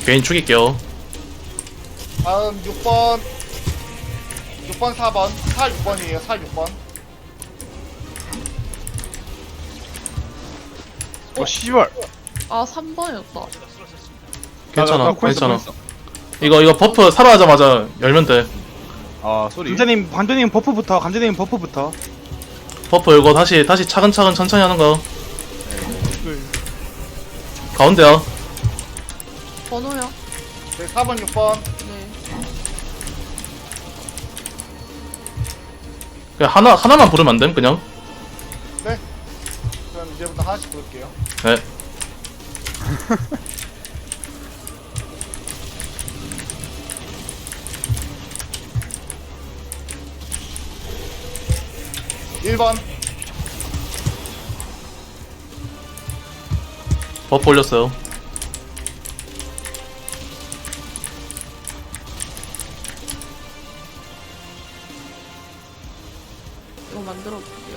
개인 죽일게요. 다음 6번 4번 6번이에요 6번. 씨발. 아 3번이었다. 괜찮아, 코인스, 괜찮아. 코인스. 이거 버프 사라지자마자 열면 돼. 아 소리. 감자님 버프부터. 감자님 버프부터. 버프 이거 다시 차근차근 천천히 하는 거. 가운데야. 번호요? 네 4번 6번. 네. 그냥 하나만 부르면 안 됨, 그냥? 네. 그럼 이제부터 하나씩 부를게요. 네. 일 번 버프 올렸어요. 이거 만들어 볼게요.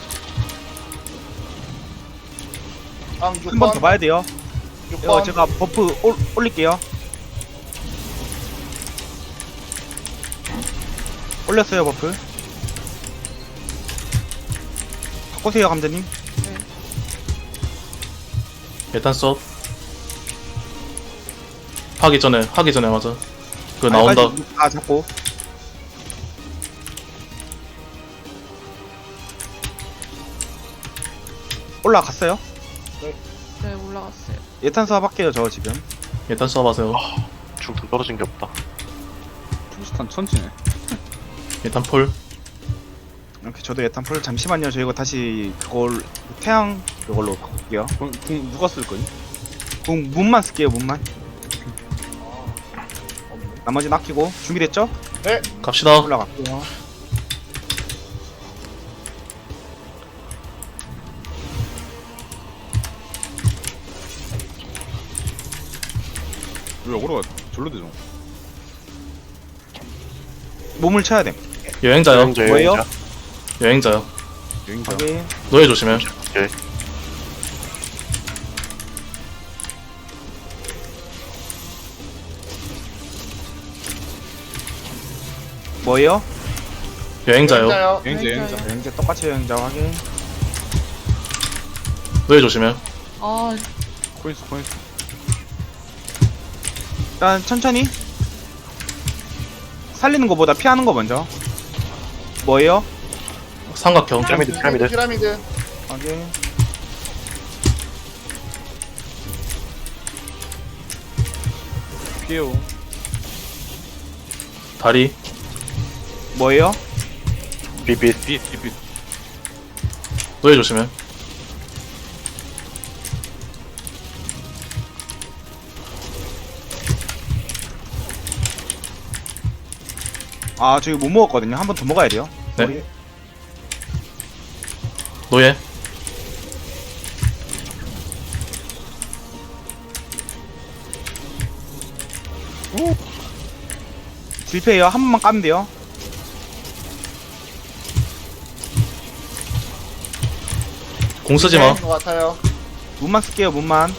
다음 한 번 더 6번 봐야 돼요. 이거 6번 제가 버프 올릴게요. 올렸어요 버프. 바꾸세요 감자님. 일단 써. 하기 전에 맞아. 그거 아, 나온다. 다 잡고. 올라갔어요? 네 올라갔어요. 예탄 수합 할게요 저 지금. 일단 써봐세요. 중도 떨어진 게 없다. 투스탄 천지네. 일단 폴. 이렇게 저도 예탄 풀. 잠시만요. 저 이거 다시 그걸 태양 그걸로 바꿀게요. 궁 누가 쓸 거니? 문만 쓸게요 문만. 나머지는 아끼고. 준비됐죠? 갑시다. 올라갈게요. 왜 어그로가 절로 되죠? 몸을 쳐야 돼. 여행자요. 여행자, 뭐예요? 여행자. 여행자요. 여행자. 확인. 노예 조심해. 오케이. 뭐예요? 여행자요. 여행자요. 여행자. 여행자 똑같이 여행자 확인. 노예 조심해. 아 코인스. 일단 천천히. 살리는 거보다 피하는 거 먼저. 뭐예요? 삼각형. 피라미드. 피라미드 확인. 피해요. 다리. 뭐예요? 비빗. 빛. 노예 조심해. 아 저기 못 먹었거든요. 한 번 더 먹어야 돼요. 네. 우리 노예. 딜페이요. 한 번만 까면 돼요. 공 쓰지 마. 것 같아요. 문만 쓸게요. 문만.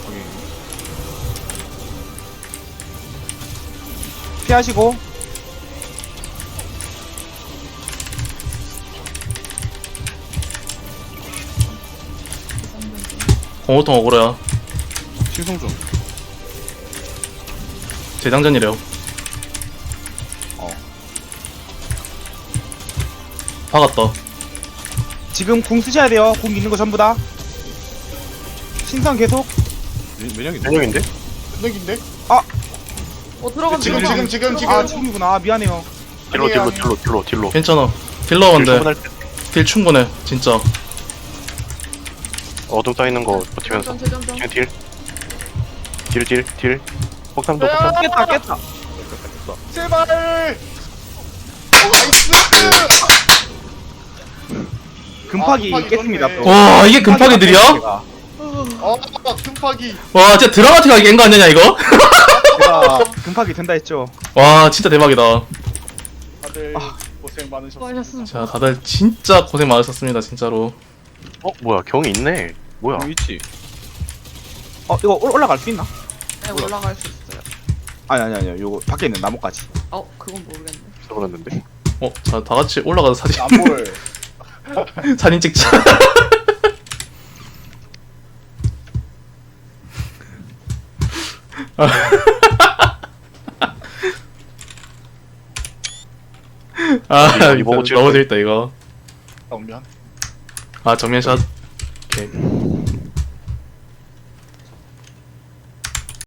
피하시고. 공호통 억울해야. 신성 좀. 재장전이래요. 어. 박았다. 지금 궁 쓰셔야 돼요. 궁 있는 거 전부 다. 신선 계속. 면역인데? 면역인데? 능인데? 들어간다. 지금, 들어간다. 지금. 아 지금이구나. 아, 미안해요. 딜로. 괜찮아. 딜러인데 충분할 때. 딜 충분해. 진짜. 어둠 따이는 거 버티면서. 재점점. 지금 딜. 폭탄도 폭탄. 깼다. 제발. 나이스. 금파기 금파기 깼습니다. 좋네. 또. 와, 이게 금파기들이야? 제가 금파기. 와, 진짜 드라마틱하게 깬 거 아니냐, 이거? 금파기 된다 했죠. 와, 진짜 대박이다. 다들 고생 많으셨습니다. 수고하셨습니다. 자, 다들 진짜 고생 많으셨습니다, 진짜로. 뭐야, 경이 있네. 뭐야. 있지. 이거 올라갈 수 있나? 네, 올라갈 수 있어요. 아니 요거 밖에 있는 나무까지. 그건 모르겠네. 써버렸는데. 자, 다 같이 올라가서 사진, 안 보여. 사진 찍자. 이거 보고 진짜 너무 재밌다, 이거. 정면. 정면샷. 오케이.